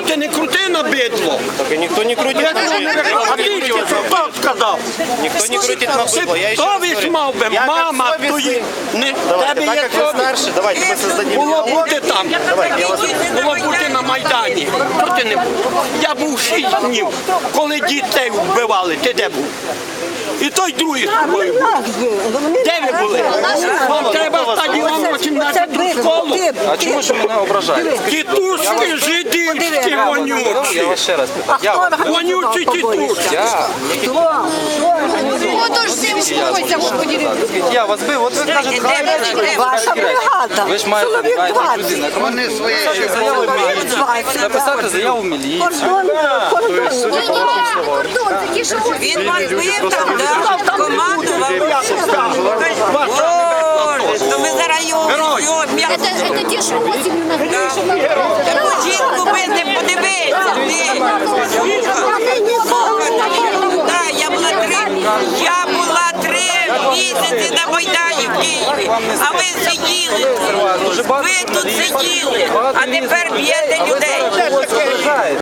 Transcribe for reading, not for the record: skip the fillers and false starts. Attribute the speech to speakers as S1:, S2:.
S1: ти не крути на бидло.
S2: Так ніхто не крутить на бидло.
S1: А ти хто сказав?
S2: Ніхто не крутить на бидло. Я ще раз
S1: Совість
S2: говорю.
S1: мав би,
S2: Я
S1: мама
S2: как совестный.
S1: твої.
S2: Давайте,
S1: Тебе
S2: так
S1: є
S2: как вы
S1: совість.
S2: старше, давайте мы создадим
S1: Було
S2: диалог.
S1: бути там. Було бути на Майдані. Що ти не був? Я був 6 днів, коли дітей вбивали. Ти де був? І той другий з тобою був. Де ви були? Вам треба стадіон 18 школу.
S3: А чому ж мене ображаєте?
S1: Тітушки жидівські
S3: Я
S1: вонючі.
S3: вас ще раз питаю.
S1: Вонючі тітушки.
S4: Отож всім успокойся, Господи.
S3: Я вас бив, от ви кажете,
S5: Ваша бригада.
S3: ви ж маєте людина.
S6: Вони свої
S3: Заяву в міліцію. Написати заяву в міліцію.
S4: Кордон, такі, що
S5: Він вас бив там, да? Командував. Боже, то ви зараз його
S4: це ті, що осінню на
S5: таку жінку бити, подивіться. Так, я була 3 місяці на Майдані в Києві, а ви сиділи. Ви тут сиділи, а тепер б'єте людей.